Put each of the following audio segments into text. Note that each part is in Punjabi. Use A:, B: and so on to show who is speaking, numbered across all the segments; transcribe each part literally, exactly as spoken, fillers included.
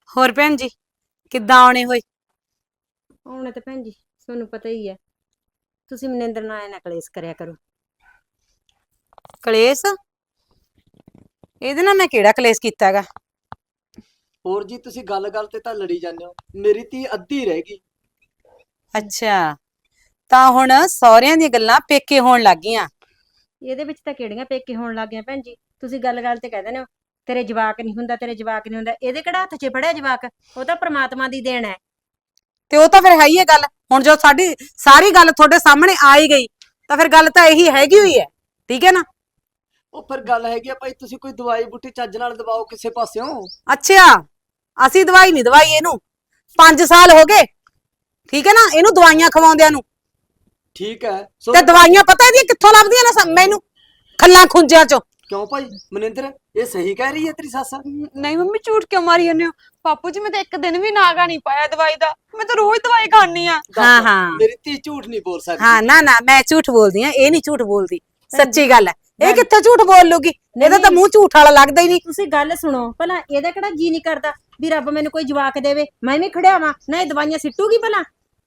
A: ਹੋਰ ਭੈਣ ਜੀ ਕਿੱਦਾਂ ਆਉਣੇ ਹੋਏ?
B: ਆਉਣੇ ਤਾਂ ਭੈਣ ਜੀ ਤੁਹਾਨੂੰ ਪਤਾ ਹੀ ਹੈ। ਤੁਸੀਂ ਮਨਿੰਦਰ ਨਾਲ ਐ ਨਾ ਕਲੇਸ਼ ਕਰਿਆ ਕਰੋ।
A: ਕਲੇਸ਼? ਇਹਦੇ ਨਾਲ ਮੈਂ ਕਿਹੜਾ ਕਲੇਸ਼ ਕੀਤਾ ਹੈਗਾ?
C: ਹੋਰ ਜੀ ਤੁਸੀਂ ਗੱਲ-ਗੱਲ ਤੇ ਤਾਂ ਲੜੀ ਜਾਂਦੇ ਹੋ। ਮੇਰੀ ਧੀ ਅੱਧੀ ਰਹਿ ਗਈ।
A: ਅੱਛਾ, ਤਾਂ ਹੁਣ ਸਹੁਰਿਆਂ ਦੀਆਂ ਗੱਲਾਂ ਪੇਕੇ ਹੋਣ ਲੱਗ ਗਈਆਂ।
B: ਇਹਦੇ ਵਿੱਚ ਤਾਂ ਕਿਹੜੀਆਂ ਪੇਕੇ ਹੋਣ ਲੱਗ ਗਈਆਂ ਭੈਣ ਜੀ। ਤੁਸੀਂ ਗੱਲ-ਗੱਲ ਤੇ ਕਹਿ ਦਿੰਦੇ ਹੋ ਤੇਰੇ ਜਵਾਕ ਨਹੀਂ ਹੁੰਦਾ, ਤੇਰੇ ਜਵਾਕ ਨਹੀਂ ਹੁੰਦਾ। ਇਹਦੇ ਕਿਹੜਾ ਹੱਥ 'ਚ ਫੜਿਆ ਜਵਾਕ? ਉਹ ਤਾਂ ਪ੍ਰਮਾਤਮਾ ਦੀ ਦੇਣ ਹੈ।
A: ਤੇ ਉਹ ਤਾਂ ਫਿਰ ਹੈ ਹੀ ਹੈ ਗੱਲ। ਹੁਣ ਜੋ ਸਾਡੀ ਸਾਰੀ ਗੱਲ ਤੁਹਾਡੇ ਸਾਹਮਣੇ ਆ ਹੀ ਗਈ ਤਾਂ ਫਿਰ ਗੱਲ ਤਾਂ ਇਹੀ ਹੈਗੀ ਹੋਈ ਹੈ, ਠੀਕ ਹੈ ਨਾ?
C: ਉਹ ਫਿਰ ਗੱਲ ਹੈਗੀ ਆ ਭਾਈ, ਤੁਸੀਂ ਕੋਈ ਦਵਾਈ ਬੂਟੀ ਚੱਜ ਨਾਲ ਦਵਾਓ ਕਿਸੇ ਪਾਸਿਓਂ।
A: ਅੱਛਾ, ਅਸੀਂ ਦਵਾਈ ਨਹੀਂ ਦਵਾਈ ਇਹਨੂੰ। ਪੰਜ ਸਾਲ ਹੋ ਗਏ, ਠੀਕ ਹੈ ਨਾ, ਇਹਨੂੰ ਦਵਾਈਆਂ ਖਵਾਉਂਦਿਆਂ ਨੂੰ।
C: ਠੀਕ ਹੈ
A: ਤੇ ਦਵਾਈਆਂ ਪਤਾ ਇਹਦੀਆਂ ਕਿੱਥੋਂ ਲੱਭਦੀਆਂ ਨੇ ਸ- ਮੈਨੂੰ ਖੱਲਾਂ ਖੁੰਝਿਆਂ ਚੋਂ।
C: ਕਿਉਂ ਭਾਈ ਮਨਿੰਦਰ, ਇਹ ਸਹੀ ਕਹਿ ਰਹੀ ਹੈ ਤੇਰੀ ਸੱਸ?
D: ਨਹੀਂ ਮੰਮੀ ਝੂਠ ਕਿਉਂ ਮਾਰੀ ਜਾਂਦੇ ਹੋ? ਬਾਪੂ ਜੀ ਮੈਂ ਤਾਂ ਇੱਕ ਦਿਨ ਵੀ ਨਾਗਾ ਨਹੀਂ ਪਾਇਆ ਦਵਾਈ ਦਾ। ਮੈਂ ਤਾਂ ਰੋਜ਼ ਦਵਾਈ ਖਾਣੀ ਆ।
C: ਦੱਸ,
A: ਹਾਂ, ਹਾਂ।
C: ਮੇਰੀ ਧੀ ਝੂਠ ਨਹੀਂ ਬੋਲ ਸਕਦੀ।
A: ਹਾਂ, ਨਾ ਨਾ ਮੈਂ ਝੂਠ ਬੋਲਦੀ ਆ, ਇਹ ਨਹੀਂ ਝੂਠ ਬੋਲਦੀ। ਸੱਚੀ ਗੱਲ ਹੈ। ਇਹ ਕਿੱਥੇ ਝੂਠ ਬੋਲ ਲੂਗੀ? ਇਹਦਾ ਤਾਂ ਮੂੰਹ ਝੂਠ ਵਾਲਾ ਲੱਗਦਾ ਹੀ ਨਹੀਂ।
B: ਤੁਸੀਂ ਗੱਲ ਸੁਣੋ ਭਲਾ, ਇਹਦਾ ਕਿਹੜਾ ਜੀ ਨਹੀਂ ਕਰਦਾ ਵੀ ਰੱਬ ਮੈਨੂੰ ਕੋਈ ਜਵਾਕ ਦੇਵੇ, ਮੈਂ ਵੀ ਖੜਿਆਵਾਂ ਨਾ? ਇਹ ਦਵਾਈਆਂ ਸਿੱਟੂਗੀ ਭਲਾ?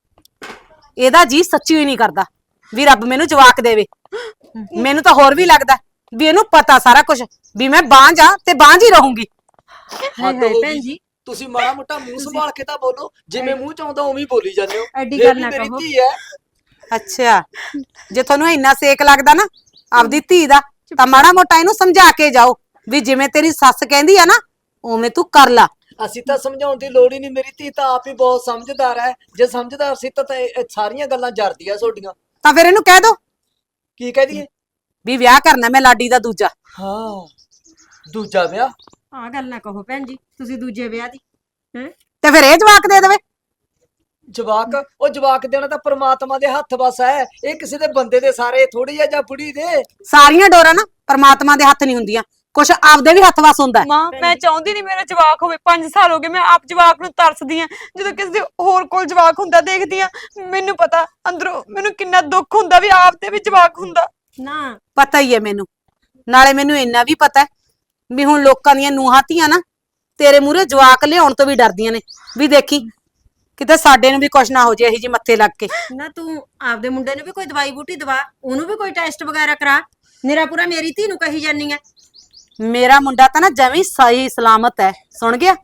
A: ਇਹਦਾ ਜੀ ਸੱਚੀ ਹੀ ਨਹੀਂ ਕਰਦਾ ਵੀ ਰੱਬ ਮੈਨੂੰ ਜਵਾਕ ਦੇਵੇ। ਮੈਨੂੰ ਤਾਂ ਹੋਰ ਵੀ ਲੱਗਦਾ ਵੀ ਇਹਨੂੰ ਪਤਾ ਸਾਰਾ ਕੁਝ ਵੀ ਮੈਂ ਬਾਂਝ ਆ ਤੇ ਬਾਂਝ ਹੀ ਰਹੂੰਗੀ।
C: ਹੱਦ
B: ਹਾਏ
C: ਹੋ
B: ਭੈਣ
C: ਗਈ।
B: ਜੀ,
C: ਤੁਸੀਂ ਮਾੜਾ ਮੋਟਾ ਮੂੰਹ ਸੰਭਾਲ ਕੇ ਤਾਂ ਬੋਲੋ। ਜਿਵੇਂ ਮੂੰਹ ਚ ਆਉਂਦਾ ਉਵੇਂ ਹੀ ਬੋਲੀ ਜਾਂਦੇ ਹੋ।
B: ਐਡੀ
C: ਇਹ
B: ਗੱਲ
C: ਵੀ
B: ਨਾ
C: ਮੇਰੀ
B: ਕਹੋ।
C: ਧੀ ਹੈ।
A: ਅੱਛਾ, ਜੇ ਤੁਹਾਨੂੰ ਇੰਨਾ ਸੇਕ ਲੱਗਦਾ ਨਾ ਆਪਦੀ ਧੀ ਦਾ, ਤਾਂ ਮਾੜਾ ਮੋਟਾ ਇਹਨੂੰ ਸਮਝਾ ਕੇ ਜਾਓ ਵੀ ਜਿਵੇਂ ਤੇਰੀ ਸੱਸ ਕਹਿੰਦੀ ਆ ਨਾ ਉਵੇਂ ਤੂੰ ਕਰ ਲਾ।
C: ਅਸੀਂ ਤਾਂ ਸਮਝਾਉਣ ਦੀ ਲੋੜ ਹੀ ਨਹੀਂ, ਮੇਰੀ ਧੀ ਤਾਂ ਆਪ ਹੀ ਬਹੁਤ ਸਮਝਦਾਰ ਹੈ। ਜੇ ਸਮਝਦਾਰ ਸੀ ਤਾਂ ਤਾਂ ਇਹ ਇਹ ਸਾਰੀਆਂ ਗੱਲਾਂ ਜਰਦੀਆਂ ਤੁਹਾਡੀਆਂ।
A: ਤਾਂ ਫਿਰ ਇਹਨੂੰ ਕਹਿ ਦੋ
C: ਕੀ ਕਹਿ ਦਈਏ?
A: ਵੀ ਵਿਆਹ ਕਰਨਾ ਮੈਂ ਲਾਡੀ ਦਾ ਦੂਜਾ।
C: ਹਾਂ, ਦੂਜਾ ਵਿਆਹ?
B: ਆਹ ਗੱਲ ਨਾ ਕਹੋ ਭੈਣ ਜੀ, ਤੁਸੀਂ ਦੂਜੇ ਵਿਆਹ ਦੀ ਹੈ।
A: ਤੇ ਫਿਰ ਇਹ ਜਵਾਕ ਦੇ ਦੇਵੇ।
C: ਜਵਾਕ? ਉਹ ਜਵਾਕ ਦੇਣਾ ਤਾਂ ਪ੍ਰਮਾਤਮਾ ਦੇ ਹੱਥ ਵਸ ਹੈ। ਇਹ ਕਿਸੇ ਦੇ ਬੰਦੇ ਦੇ ਸਾਰੇ ਥੋੜੀ ਆ ਜਾਂ ਬੁੜੀ ਦੇ।
A: ਸਾਰੀਆਂ ਡੋਰਾਂ ਨਾ ਪਰਮਾਤਮਾ ਦੇ ਹੱਥ ਨਹੀਂ ਹੁੰਦੀਆਂ, ਕੁਛ ਆਪਦੇ ਵੀ ਹੱਥ ਵਸ ਹੁੰਦਾ ਹੈ।
D: ਮਾਂ ਮੈਂ ਚਾਹੁੰਦੀ ਨਹੀਂ ਮੇਰਾ ਜਵਾਕ ਹੋਵੇ। ਪੰਜ ਸਾਲ ਹੋ ਗਏ ਮੈਂ ਆਪ ਜਵਾਕ ਨੂੰ ਤਰਸਦੀ ਆ। ਜਦੋਂ ਕਿਸੇ ਦੇ ਹੋਰ ਕੋਲ ਜਵਾਕ ਹੁੰਦਾ ਦੇਖਦੀ ਆ, ਮੈਨੂੰ ਪਤਾ ਅੰਦਰੋਂ ਮੈਨੂੰ ਕਿੰਨਾ ਦੁੱਖ ਹੁੰਦਾ ਵੀ ਆਪ ਤੇ ਵੀ ਜਵਾਕ ਹੁੰਦਾ।
B: ਨਾ
A: ਪਤਾ ਹੀ ਹੈ ਮੈਨੂੰ। ਨਾਲੇ ਮੈਨੂੰ ਇੰਨਾ ਵੀ ਪਤਾ ਹੈ ਵੀ ਹੁਣ ਲੋਕਾਂ ਦੀਆਂ ਨੂੰਹਾਂ ਧੀਆਂ ਨਾ ਤੇਰੇ ਮੂਹਰੇ ਜਵਾਕ ਲਿਆਉਣ ਤੋਂ ਵੀ ਡਰਦੀਆਂ ਨੇ ਵੀ ਦੇਖੀ ਕਿਤੇ ਸਾਡੇ ਨੂੰ ਵੀ ਕੁਛ ਨਾ ਹੋ ਜੇ ਇਹੀ ਜੀ ਮੱਥੇ ਲੱਗ ਕੇ।
B: ਨਾ ਤੂੰ ਆਪਦੇ ਮੁੰਡੇ ਨੂੰ ਵੀ ਕੋਈ ਦਵਾਈ ਬੂਟੀ ਦਵਾ, ਉਹਨੂੰ ਵੀ ਕੋਈ ਟੈਸਟ ਵਗੈਰਾ ਕਰਾ। ਨਿਰਾ ਪੂਰਾ ਮੇਰੀ ਧੀ ਨੂੰ ਕਹੀ ਜਾਨੀ ਆ।
A: ਮੇਰਾ ਮੁੰਡਾ ਤਾਂ ਨਾ ਜਮੀ ਸਹੀ ਸਲਾਮਤ ਹੈ, ਸੁਣ ਗਿਆ?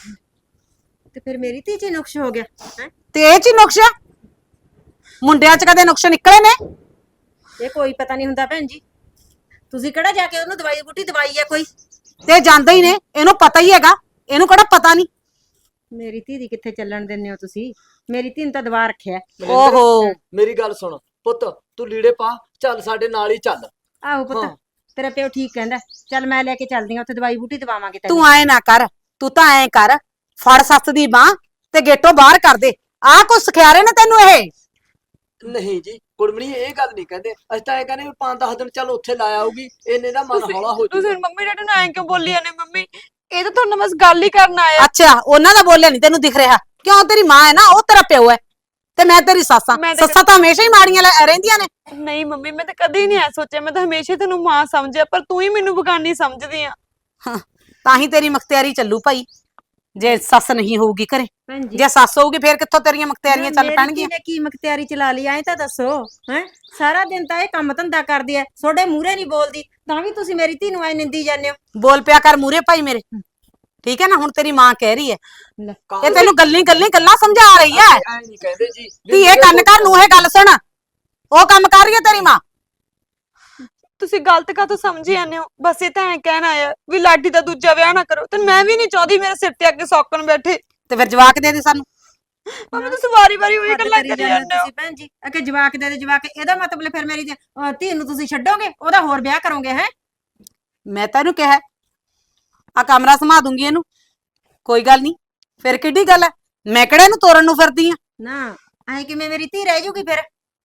B: ਤੇ ਫਿਰ ਮੇਰੀ ਧੀ 'ਚ ਹੀ ਨੁਕਸ ਹੋ ਗਿਆ ਹੈ।
A: ਤੇ ਇਹ ਚ ਹੀ ਨੁਕਸ ਆ? ਮੁੰਡਿਆਂ ਚ ਕਦੇ ਨੁਕਸ ਨਿਕਲੇ ਨੇ?
B: ਇਹ ਕੋਈ ਪਤਾ ਨਹੀਂ ਹੁੰਦਾ ਭੈਣ ਜੀ। ਤੁਸੀਂ ਕਿਹੜਾ ਜਾ ਕੇ ਉਹਨੂੰ ਦਵਾਈ ਬੂਟੀ ਦਵਾਈ ਆ ਕੋਈ?
A: ਤੇ ਜਾਂਦੇ ਹੀ ਨੇ, ਇਹਨੂੰ ਪਤਾ ਹੀ ਹੈਗਾ। ਇਹਨੂੰ ਕਿਹੜਾ ਪਤਾ ਨਹੀਂ?
B: ਮੇਰੀ ਧੀ ਦੀ ਕਿੱਥੇ ਚੱਲਣ ਦਿੰਦੇ ਹੋ ਤੁਸੀਂ? ਮੇਰੀ ਧੀ ਨੂੰ ਤਾਂ ਦਵਾ ਰੱਖਿਆ।
C: ਮਨਿੰਦਰ,
A: ਓਹੋ।
C: ਮੇਰੀ ਗੱਲ ਸੁਣ ਪੁੱਤ, ਤੂੰ ਲੀੜੇ ਪਾ, ਚੱਲ ਸਾਡੇ ਨਾਲ ਹੀ ਚੱਲ।
B: ਆਹੋ ਪੁੱਤ,
C: ਹਾਂ।
B: ਤੇਰਾ ਪਿਓ ਠੀਕ ਕਹਿੰਦਾ। ਚੱਲ ਮੈਂ ਲੈ ਕੇ ਚੱਲਦੀ ਆ, ਉੱਥੇ ਦਵਾਈ ਬੂਟੀ ਦਵਾਵਾਂਗੇ ਤੈਨੂੰ।
A: ਤੂੰ ਐ ਨਾ ਕਰ, ਤੂੰ ਤਾਂ ਐ ਕਰ, ਫੜ ਸੱਸ ਦੀ ਬਾਹ ਤੇ ਗੇਟੋਂ ਬਾਹਰ ਕਰ ਦੇ। ਆਹ ਕੁਛ ਸਿਖਿਆਰੇ ਨੇ ਤੈਨੂੰ ਇਹ?
C: ਨਹੀਂ ਜੀ ਕੁੜਮਣੀ, ਇਹ ਗੱਲ ਨਹੀਂ ਕਹਿੰਦੇ। ਅਸੀਂ ਤਾਂ ਇਹ ਕਹਿੰਦੇ ਵੀ ਪੰਜ ਦਸ ਦਿਨ ਚੱਲ ਉੱਥੇ ਲਾ ਆਊਗੀ, ਇਹਨੇ ਦਾ ਮਨ ਹੌਲਾ ਹੋ
D: ਤੁਸੀਂ
C: ਜਾਊਗਾ।
D: ਮੰਮੀ ਡੈਡੀ ਨੂੰ ਐਂ ਕਿਉਂ ਬੋਲੀ ਜਾਂਦੇ? ਮੰਮੀ ਇਹ ਤਾਂ ਤੁਹਾਨੂੰ ਬਸ ਗੱਲ ਹੀ ਕਰਨ ਆਇਆ।
A: ਅੱਛਾ, ਉਹਨਾਂ ਦਾ ਬੋਲਿਆ ਨਹੀਂ ਤੈਨੂੰ ਦਿਖ ਰਿਹਾ? ਕਿਉਂ? ਤੇਰੀ ਮਾਂ ਹੈ ਨਾ, ਉਹ ਤੇਰਾ ਪਿਓ ਹੈ ਤੇ ਮੈਂ ਤੇਰੀ ਸੱਸ ਆ।
D: ਮੈਂ ਤਾਂ-
A: ਸੱਸਾਂ ਤਾਂ ਹਮੇਸ਼ਾ ਹੀ ਮਾੜੀਆਂ ਲੈ- ਰਹਿੰਦੀਆਂ ਨੇ।
D: ਨਹੀਂ ਮੰਮੀ ਮੈਂ ਤਾਂ ਕਦੇ ਨਹੀਂ ਐ ਸੋਚਿਆ। ਮੈਂ ਤਾਂ ਹਮੇਸ਼ਾ ਤੈਨੂੰ ਮਾਂ ਸਮਝਿਆ, ਪਰ ਤੂੰ ਹੀ ਮੈਨੂੰ ਬਗਾਨੀ ਸਮਝਦੀ ਆ।
A: ਹਾਂ, ਤਾਂ ਹੀ ਤੇਰੀ ਮਖਤਿਆਰੀ ਚੱਲੂ ਭਾਈ, ਜੇ ਸੱਸ ਨਹੀਂ ਹੋਊਗੀ ਘਰੇ।
B: ਭੈਣ ਜੀ
A: ਜੇ ਸੱਸ ਹੋਊਗੀ ਫੇਰ ਕਿੱਥੋਂ ਤੇਰੀਆਂ ਮਖਤਿਆਰੀਆਂ ਚੱਲ
B: ਮੇਰੀ
A: ਪੈਣਗੀਆਂ?
B: ਧੀ ਨੇ ਕੀ ਮਖਤਿਆਰੀ ਚਲਾ ਲਈ ਐਂ ਤਾਂ ਦੱਸੋ ਹੈ। ਸਾਰਾ ਦਿਨ ਤਾਂ ਇਹ ਕੰਮ ਧੰਦਾ ਕਰਦੀ ਐ, ਤੁਹਾਡੇ ਮੂਹਰੇ ਨਹੀਂ ਬੋਲਦੀ, ਤਾਂ ਵੀ ਤੁਸੀਂ ਮੇਰੀ ਧੀ ਨੂੰ ਐ ਨਿੰਦੀ ਜਾਂਦੇ ਹੋ।
A: ਬੋਲ ਪਿਆ ਕਰ ਮੂਰੇ ਭਾਈ ਮੇਰੇ, ਠੀਕ ਹੈ ਨਾ? ਹੁਣ ਤੇਰੀ ਮਾਂ ਕਹਿ ਰਹੀ ਹੈ,
B: ਲੈ,
A: ਇਹ ਤੈਨੂੰ ਗੱਲਾਂ ਗੱਲਾਂ ਗੱਲਾਂ ਸਮਝਾ ਰਹੀ ਹੈ।
C: ਐ ਨਹੀਂ ਕਹਿੰਦੇ ਜੀ ਵੀ
A: ਧੀਏ
C: ਮੂਹਰੇ
A: ਕੰਨ ਕਰ, ਨੂੰ ਇਹ ਗੱਲ ਸੁਣ। ਉਹ ਕੰਮ ਕਰ ਰਹੀ ਹੈ ਤੇਰੀ ਮਾਂ।
D: ਤੁਸੀਂ ਗਲਤ ਕਾਹਤੋਂ ਸਮਝੀ ਜਾਂਦੇ ਹੋ? ਬਸ ਇਹ ਤਾਂ ਐਂ ਕਹਿਣ ਆਇਆ ਵੀ ਲਾਡੀ ਦਾ ਦੂਜਾ ਵਿਆਹ ਨਾ ਕਰੋ। ਤੇ ਮੈਂ ਵੀ ਨਹੀਂ ਚਾਹਦੀ ਮੇਰੇ ਸਿਰ ਤੇ ਅੱਗੇ ਸੌਕਣ ਬੈਠੇ।
A: ਤੇ ਫਿਰ ਜਵਾਕ ਦੇ ਦੇ ਸਾਨੂੰ।
D: ਮੰਮੀ ਤੁਸੀਂ ਵਾਰੀ ਵਾਰੀ ਉਹੀ
B: ਹੱਦ
D: ਗੱਲਾਂ
B: ਕਰੀ
D: ਕਰੀ
B: ਜਾਂਦੇ
D: ਜਾਂਦੇ ਹੋ।
B: ਤੁਸੀਂ ਭੈਣ ਜੀ। ਅਕੇ ਜਵਾਕ ਦੇ ਦੇ ਜਵਾਕ, ਇਹਦਾ ਮਤਲਬ ਫਿਰ ਮੇਰੀ ਧੀ- ਅਹ ਧੀ ਨੂੰ ਤੁਸੀਂ ਛੱਡੋਗੇ, ਉਹਦਾ ਹੋਰ ਵਿਆਹ ਕਰੋਗੇ ਹੈ?
A: ਮੈਂ ਤੈਨੂੰ ਕਿਹਾ ਆ ਕਮਰਾ ਸਮਾ ਦੂੰਗੀ ਇਹਨੂੰ, ਕੋਈ ਗੱਲ ਨਹੀਂ। ਫਿਰ ਕਿੱਡੀ ਗੱਲ ਹੈ? ਮੈਂ ਕਿਹੜਾ ਇਹਨੂੰ ਤੋਰਨ ਨੂੰ ਫਿਰਦੀ ਆ?
B: ਨਾ ਐ ਕਿਵੇਂ ਮੇਰੀ ਧੀ ਰਹਿ ਜੂਗੀ ਫਿਰ?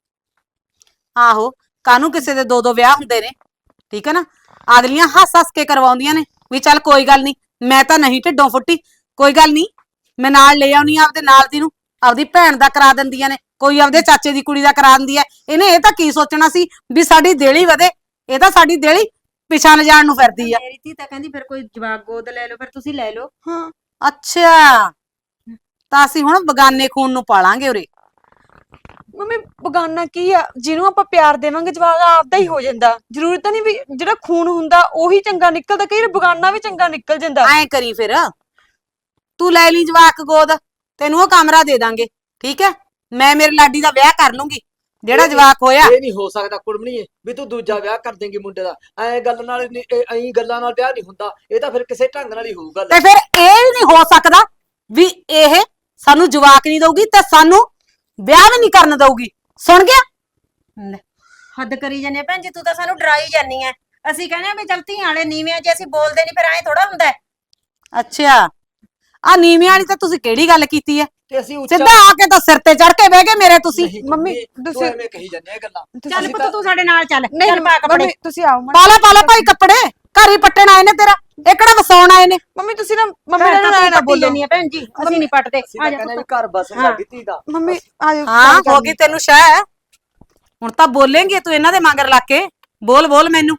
A: ਆਹੋ, ਕਾਹਨੂੰ ਕਿਸੇ ਦੇ ਦੋ ਦੋ ਵਿਆਹ ਹੁੰਦੇ ਨੇ, ਠੀਕ ਹੈ ਨਾ? ਅਗਲੀਆਂ ਹੱਸ ਹੱਸ ਕੇ ਕਰਵਾਉਂਦੀਆਂ ਨੇ ਵੀ ਚੱਲ ਕੋਈ ਗੱਲ ਨਹੀਂ, ਮੈਂ ਤਾਂ ਨਹੀਂ ਢਿੱਡੋਂ ਫੁੱਟੀ, ਕੋਈ ਗੱਲ ਨਹੀਂ, ਮੈਂ ਨਾਲ ਲੈ ਆਉਣੀ ਆ ਆਪਦੇ ਨਾਲ ਦੀ ਨੂੰ, ਆਪਦੀ ਭੈਣ ਦਾ ਕਰਾ ਦਿੰਦੀਆਂ ਨੇ, ਕੋਈ ਆਪਦੇ ਚਾਚੇ ਦੀ ਕੁੜੀ ਦਾ ਕਰਾ ਦਿੰਦੀ ਹੈ। ਇਹਨੇ ਇਹ ਤਾਂ ਕੀ ਸੋਚਣਾ ਸੀ ਵੀ ਸਾਡੀ ਦੇਲੀ ਵਧੇ? ਇਹ ਤਾਂ ਸਾਡੀ ਦੇਲੀ ਪਿਛਾਂ ਜਾਣ ਨੂੰ ਫਿਰਦੀ ਆ।
B: ਮੇਰੀ ਧੀ ਤਾਂ ਕਹਿੰਦੀ ਫਿਰ ਕੋਈ ਜਵਾਕ ਗੋਦ ਲੈ ਲਓ, ਫਿਰ ਤੁਸੀਂ ਲੈ ਲਓ।
D: ਹਾਂ
A: ਅੱਛਾ ਤਾਂ ਅਸੀਂ ਹੁਣ ਬਗਾਨੇ ਖੂਨ ਨੂੰ ਪਾਲਾਂਗੇ ਉਰੇ।
D: ਮੰਮੀ ਬਗਾਨਾ ਕੀ ਆ, ਜਿਹਨੂੰ ਆਪਾਂ ਪਿਆਰ ਦੇਵਾਂਗੇ ਜਵਾਕ ਆਪਦਾ ਹੀ ਹੋ ਜਾਂਦਾ। ਜ਼ਰੂਰੀ ਤਾਂ ਨਹੀਂ ਵੀ ਜਿਹੜਾ ਖੂਨ ਹੁੰਦਾ ਉਹੀ ਚੰਗਾ ਨਿਕਲਦਾ, ਕਈ ਵਾਰ ਬਗਾਨਾ ਵੀ ਚੰਗਾ ਨਿਕਲ ਜਾਂਦਾ।
A: ਐਂ ਕਰੀ ਫਿਰ ਤੂੰ ਲੈ ਲਈ ਜਵਾਕ ਗੋਦ, ਤੈਨੂੰ ਉਹ ਕਮਰਾ ਦੇ ਦਾਂਗੇ, ਠੀਕ ਹੈ। ਮੈਂ ਮੇਰੇ ਲਾਡੀ ਦਾ ਵਿਆਹ ਕਰ ਲੂੰਗੀ, ਜਿਹੜਾ
C: ਇਹ ਨੀ-
A: ਜਵਾਕ ਹੋਇਆ।
C: ਇਹ ਨਹੀਂ ਹੋ ਸਕਦਾ ਕੁੜਮਣੀਏ ਵੀ ਤੂੰ ਦੂਜਾ ਵਿਆਹ ਕਰ ਦੇਂਗੀ ਮੁੰਡੇ ਦਾ। ਐ ਗੱਲ ਨਾਲ ਨੀ- ਇਹ ਐਂ ਗੱਲਾਂ ਨਾਲ ਵਿਆਹ ਨਹੀਂ ਹੁੰਦਾ, ਇਹ ਤਾਂ ਫਿਰ ਕਿਸੇ ਢੰਗ ਨਾਲ ਹੀ ਹੋਊਗਾ।
A: ਤੇ ਫਿਰ ਇਹ ਵੀ ਨਹੀਂ ਹੋ ਸਕਦਾ ਵੀ ਇਹ ਸਾਨੂੰ ਜਵਾਕ ਨਹੀਂ ਦਊਗੀ ਤੇ ਸਾਨੂੰ ਵਿਆਹ ਵੀ ਨਹੀਂ ਕਰਨ ਦਊਗੀ। ਸੁਣ ਗਿਆ?
B: ਲੈ, ਹੱਦ ਕਰੀ ਜਾਂਦੇ ਆ ਭੈਣ ਜੀ, ਤੂੰ ਤਾਂ ਸਾਨੂੰ ਡਰਾਈ ਜਾਂਦੀ ਐ। ਅਸੀਂ ਕਹਿੰਦੇ ਆ ਵੀ ਚੱਲ ਧੀਆਂ ਵਾਲੇ ਨੀਵੇਂ ਜੇ ਅਸੀਂ ਬੋਲਦੇ ਨਹੀਂ ਫਿਰ ਐਂ ਥੋੜਾ ਹੁੰਦਾ ਹੈ।
A: ਅੱਛਾ ਆ ਨੀਵੀਂ ਵਾਲੀ ਤਾਂ ਤੁਸੀਂ ਕਿਹੜੀ ਗੱਲ ਕੀਤੀ ਹੈ?
C: ਤੇ ਅਸੀਂ ਉੱਚਾ
A: ਸਿੱਧਾ ਆ ਕੇ ਤਾਂ ਸਿਰ ਤੇ ਚੜ ਕੇ ਬਹਿ ਗਏ ਮੇਰੇ ਤੁਸੀਂ।
C: ਨਹੀਂ
D: ਮੰਮੀ,
C: ਕੁੜਮਣੀ, ਤੂੰ
D: ਤੁਸੀਂ-
C: ਐਵੇਂ ਕਹੀ ਜਾਂਦੇ ਆ ਗੱਲਾਂ।
B: ਚੱਲ
C: ਅਸੀਂ
B: ਪੁੱਤ
C: ਤਾਂ-
B: ਤੂੰ ਸਾਡੇ ਨਾਲ ਚੱਲ,
D: ਨਹੀਂ
B: ਚੱਲ ਪਾ ਕੱਪੜੇ।
D: ਮੰਮੀ ਤੁਸੀਂ ਆਓ ਮੰਮੀ।
A: ਪਾਲਾ ਪਾਲਾ ਭਾਈ ਕੱਪੜੇ, ਘਰ ਹੀ ਪੱਟਣ ਆਏ ਨੇ ਤੇਰਾ, ਇਹ ਕਿਹੜਾ ਵਸਾਉਣ ਆਏ ਨੇ?
D: ਮੰਮੀ ਤੁਸੀਂ ਨਾ ਮੰਮੀ
B: ਘਰ
D: ਨਾਲ
B: ਤਾਂ
D: ਨਾ
B: ਤੂੰ
D: ਨਾ
B: ਪੱਟੀ
D: ਬੋਲੋ।
B: ਜਾਂਦੀ ਆ ਭੈਣ ਜੀ, ਅਸੀਂ ਨਹੀਂ ਪੱਟਦੇ।
C: ਅਸੀਂ
B: ਆ
C: ਤਾਂ
B: ਜਾ
C: ਕਹਿੰਦੇ ਵੀ
B: ਪੁੱਤ।
C: ਘਰ ਬਸ
B: ਹਾਂ।
C: ਸਾਡੀ ਧੀ ਦਾ।
D: ਮੰਮੀ ਆ ਜਾਓ।
A: ਹਾਂ
D: ਗੱਲ
A: ਹੋ
D: ਕਰਨੀ।
A: ਗਈ ਤੈਨੂੰ ਸ਼ਹਿ, ਹੁਣ ਤਾਂ ਬੋਲੇਂਗੀ ਤੂੰ ਇਹਨਾਂ ਦੇ ਮਗਰ ਲੱਗ ਕੇ। ਬੋਲ ਬੋਲ ਮੈਨੂੰ,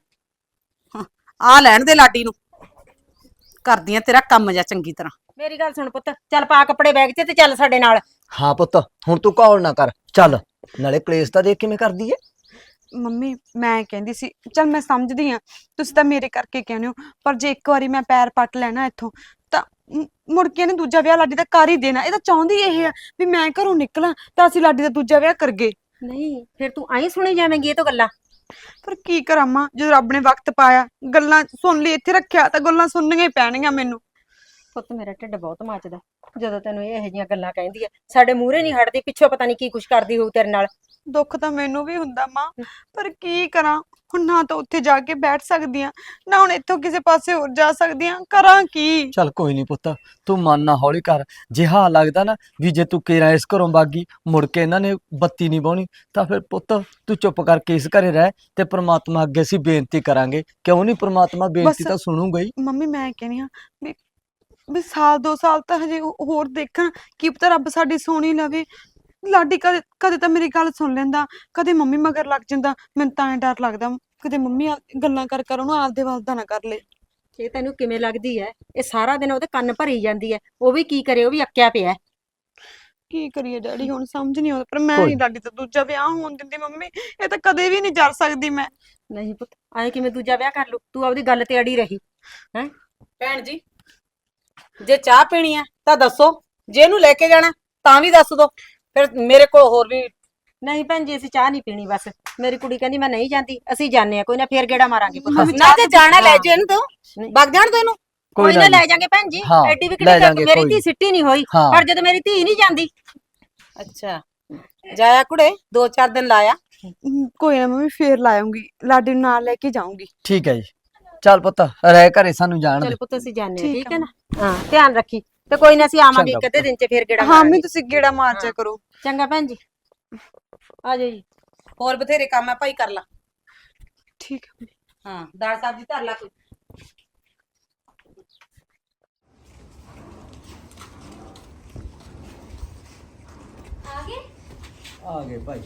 A: ਆ ਲੈਣ ਦੇ ਲਾਡੀ ਨੂੰ, ਕਰਦੀ ਆ ਤੇਰਾ ਕੰਮ ਜਾ ਚੰਗੀ ਤਰ੍ਹਾਂ।
B: ਮੇਰੀ ਗੱਲ ਸੁਣ ਪੁੱਤ, ਚੱਲ ਪਾ ਕੱਪੜੇ ਬੈਗ 'ਚ ਤੇ ਚੱਲ ਸਾਡੇ ਨਾਲ।
C: ਹਾਂ ਪੁੱਤ ਹੁਣ ਤੂੰ ਕੌਲ ਨਾ ਕਰ, ਚੱਲ। ਨਾਲੇ ਕਲੇਸ਼ ਤਾਂ ਦੇਖ ਕਿਵੇਂ ਕਰਦੀ ਏ।
D: ਮੰਮੀ ਮੈਂ ਕਹਿੰਦੀ ਸੀ, ਚਲ ਮੈਂ ਸਮਝਦੀ ਆ ਤੁਸੀਂ ਤਾਂ ਮੇਰੇ ਕਰਕੇ ਕਹਿੰਦੇ ਹੋ, ਪਰ ਜੇ ਇੱਕ ਵਾਰੀ ਮੈਂ ਪੈਰ ਪੱਟ ਲੈਣਾ ਇੱਥੋਂ ਤਾਂ ਮ- ਮੁੜ ਕੇ ਇਹਨੇ ਦੂਜਾ ਵਿਆਹ ਲਾਡੀ ਦਾ ਕਰ ਹੀ ਦੇਣਾ। ਇਹ ਤਾਂ ਚਾਹੁੰਦੀ ਇਹ ਆ ਵੀ ਮੈਂ ਘਰੋਂ ਨਿਕਲਾਂ ਤਾਂ ਅਸੀਂ ਲਾਡੀ ਦਾ ਦੂਜਾ ਵਿਆਹ ਕਰਗੇ।
B: ਨਹੀਂ ਫਿਰ ਤੂੰ ਐਂ ਸੁਣੀ ਜਾਵੇਂਗੀ ਇਹ ਤੋਂ ਗੱਲਾਂ।
D: ਪਰ ਕੀ ਕਰਾਂ ਮਾਂ, ਜਦੋਂ ਰੱਬ ਨੇ ਵਕਤ ਪਾਇਆ ਗੱਲਾਂ ਸੁਣ ਲਈ ਇੱਥੇ ਰੱਖਿਆ ਤਾਂ ਗੱਲਾਂ ਸੁਣਨੀਆਂ ਹੀ ਪੈਣਗੀਆਂ ਮੈਨੂੰ।
B: ਪੁੱਤ ਮੇਰਾ ਢਿੱਡ ਬਹੁਤ ਮੱਚਦਾ ਜਦੋਂ ਤੈਨੂੰ ਇਹ ਇਹੋ ਜਿਹੀਆਂ ਗੱਲਾਂ ਕਹਿੰਦੀ ਐ। ਸਾਡੇ ਮੂਹਰੇ ਨਹੀਂ ਹਟਦੀ, ਪਿੱਛੋਂ ਪਤਾ ਨਹੀਂ ਕੀ ਕੁਛ ਕਰਦੀ ਹੋਊ ਤੇਰੇ ਨਾਲ।
D: ਦੁੱਖ ਤਾਂ ਮੈਨੂੰ ਵੀ ਹੁੰਦਾ ਮਾਂ, ਪਰ ਕੀ ਕਰਾਂ ਹੁਣ, ਨਾ ਤਾਂ ਉੱਥੇ ਜਾ ਕੇ ਬੈਠ ਸਕਦੀ ਆ, ਨਾ ਹੁਣ ਇੱਥੋਂ ਕਿਸੇ ਪਾਸੇ ਹੋਰ ਜਾ ਸਕਦੀ ਆ, ਕਰਾਂ ਕੀ?
C: ਚੱਲ ਕੋਈ ਨਹੀਂ ਪੁੱਤ, ਤੂੰ ਮਨ ਨਾ ਹੌਲੀ ਕਰ। ਜੇ ਹਾਂ ਲੱਗਦਾ ਨਾ ਵੀ ਜੇ ਤੂੰ ਕੇਰਾ ਇਸ ਘਰੋਂ ਬਾਗੀ ਮੁੜ ਕੇ ਇਹਨਾਂ ਨੇ ਬੱਤੀ ਨਹੀਂ ਬਾਉਣੀ, ਤਾਂ ਫਿਰ ਪੁੱਤ ਤੂੰ ਚੁੱਪ ਕਰਕੇ ਇਸ ਘਰੇ ਰਹਿ ਤੇ ਪ੍ਰਮਾਤਮਾ ਅੱਗੇ ਅਸੀਂ ਬੇਨਤੀ ਕਰਾਂਗੇ। ਕਿਉਂ ਨਹੀਂ, ਪ੍ਰਮਾਤਮਾ ਬੇਨਤੀ
D: ਬਸ-
C: ਤਾਂ ਸੁਣੂਗਾ ਹੀ।
D: ਮੰਮੀ ਮੈਂ ਕਹਿੰਦੀ ਆ ਵੀ ਵੀ ਸਾਲ ਦੋ ਸਾਲ ਤਾਂ ਹਜੇ ਹੋ- ਹੋਰ ਦੇਖਣ, ਕੀ ਪਤਾ ਰੱਬ ਸਾਡੀ ਸੁਣੀ ਲਵੇ। ਲਾਡੀ ਕਦੇ ਕਦੇ ਤਾਂ ਮੇਰੀ ਗੱਲ ਸੁਣ ਲੈਂਦਾ, ਕਦੇ ਮੰਮੀ ਮਗਰ ਲੱਗ ਜਾਂਦਾ। ਮੈਨੂੰ ਤਾਂ ਐਂ ਡਰ ਲੱਗਦਾ ਕਿਤੇ ਮੰਮੀ ਆ- ਗੱਲਾਂ ਕਰ ਕਰ ਉਹਨੂੰ ਆਪਦੇ ਵੱਲ ਦਾ ਨਾ ਕਰ ਲੇ।
B: ਇਹ ਤੈਨੂੰ ਕਿਵੇਂ ਲੱਗਦੀ ਐ? ਇਹ ਸਾਰਾ ਦਿਨ ਉਹਦੇ ਕੰਨ ਭਰੀ ਜਾਂਦੀ ਐ, ਉਹ ਵੀ ਕੀ ਕਰੇ, ਉਹ ਵੀ ਅੱਕਿਆ ਪਿਆ।
D: ਕੀ ਕਰੀਏ ਡੈਡੀ, ਹੁਣ ਸਮਝ ਨਹੀਂ ਆਉਂਦਾ, ਪਰ ਮੈਂ
C: ਕੋਈ
D: ਨਹੀਂ ਲਾਡੀ ਤੋਂ ਦੂਜਾ ਵਿਆਹ ਹੋਣ ਦਿੰਦੀ ਮੰਮੀ। ਇਹ ਤਾਂ ਕਦੇ ਵੀ ਨਹੀਂ ਜਰ ਸਕਦੀ ਮੈਂ।
B: ਨਹੀਂ ਪੁੱਤ, ਐਂ ਕਿਵੇਂ ਦੂਜਾ ਵਿਆਹ ਕਰ ਲੂ? ਤੂੰ ਆਪਦੀ ਗੱਲ ਤੇ ਅੜੀ ਰਹੀ ਹੈ।
A: ਭੈਣ ਜੀ ਜੇ ਚਾਹ ਪੀਣੀ ਆ ਤਾਂ ਦੱਸੋ, ਜੇ ਇਹਨੂੰ ਲੈ ਕੇ ਜਾਣਾ ਤਾਂ ਵੀ ਦੱਸ ਦੋ, ਫਿਰ ਮੇਰੇ ਕੋਲ ਹੋਰ ਵੀ।
B: ਨਹੀਂ ਭੈਣ ਜੀ ਅਸੀਂ ਚਾਹ ਨਹੀਂ ਪੀਣੀ, ਬਸ ਮੇਰੀ ਕੁੜੀ ਕਹਿੰਦੀ ਮੈਂ ਨਹੀਂ ਜਾਂਦੀ, ਅਸੀਂ ਜਾਣੇ ਆ, ਕੋਈ ਨਾ ਫੇਰ ਗੇੜਾ ਮਾਰਾਂਗੇ ਪੁੱਤ ਅਸੀਂ।
A: ਨਾ ਤੇ ਜਾਣਾ ਲੈ ਜੇ ਇਹਨੂੰ ਤੂੰ ਵਗ ਜਾਣ ਤੋ ਇਹਨੂੰ।
B: ਕੋਈ ਨਾ ਲੈ ਜਾਾਂਗੇ ਭੈਣ ਜੀ,
C: ਹਾਂ,
B: ਐਡੀ ਵੀ
C: ਲੈ
B: ਕਿਹੜੀ
C: ਜਾਾਂਗੇ,
B: ਮੇਰੀ
C: ਕੋਈ
B: ਧੀ ਸਿੱਟੀ ਨਹੀਂ ਹੋਈ,
C: ਹਾਂ।
B: ਪਰ ਜਦੋਂ ਮੇਰੀ ਧੀ ਨਹੀਂ ਜਾਂਦੀ।
A: ਅੱਛਾ ਜਾਇਆ ਕੁੜੇ, ਦੋ ਚਾਰ ਦਿਨ ਲਾਇਆ।
D: ਹਮ, ਕੋਈ ਨਾ ਮੰਮੀ ਫੇਰ ਲਾਉਂਗੀ, ਲਾਡੀ ਨੂੰ ਨਾਲ ਲੈ ਕੇ ਜਾਊਂਗੀ।
C: ਠੀਕ ਹੈ ਜੀ, ਚੱਲ ਪੁੱਤ ਰਹਿ ਘਰੇ ਸਾਨੂੰ ਜਾਣ ਦੇ।
B: ਚਲ ਪੁੱਤ ਅਸੀਂ ਜਾਣੇ ਆ,
D: ਠੀਕ
B: ਠੀਕ
D: ਆ
B: ਹੈ ਨਾ? ਹਾਂ ਧਿਆਨ ਰੱਖੀ, ਤੇ ਕੋਈ ਨਾ ਅਸੀਂ ਆਵਾਂਗੇ
C: ਚੰਗਾ
B: ਇੱਕ ਅੱਧੇ ਦਿਨ ਚ ਫੇਰ ਗੇੜਾ
D: ਹਾਂ
B: ਮਾਰਾਂਗੇ।
D: ਮੰਮੀ ਤੁਸੀਂ ਗੇੜਾ ਮਾਰ ਜਾ
B: ਹਾਂ।
D: ਕਰੋ।
B: ਚੰਗਾ ਭੈਣ ਜੀ, ਆ ਜਾਓ ਜੀ।
A: ਹੋਰ ਬਥੇਰੇ ਕੰਮ ਆ ਭਾਈ, ਕਰ ਲਾ।
D: ਠੀਕ ਹੈ।
A: ਹਾਂ ਦਾਲ ਸਬਜ਼ੀ ਧਰ ਲਾ ਕੋਈ।
E: ਆ ਗਏ?
C: ਆ ਗਏ ਭਾਈ।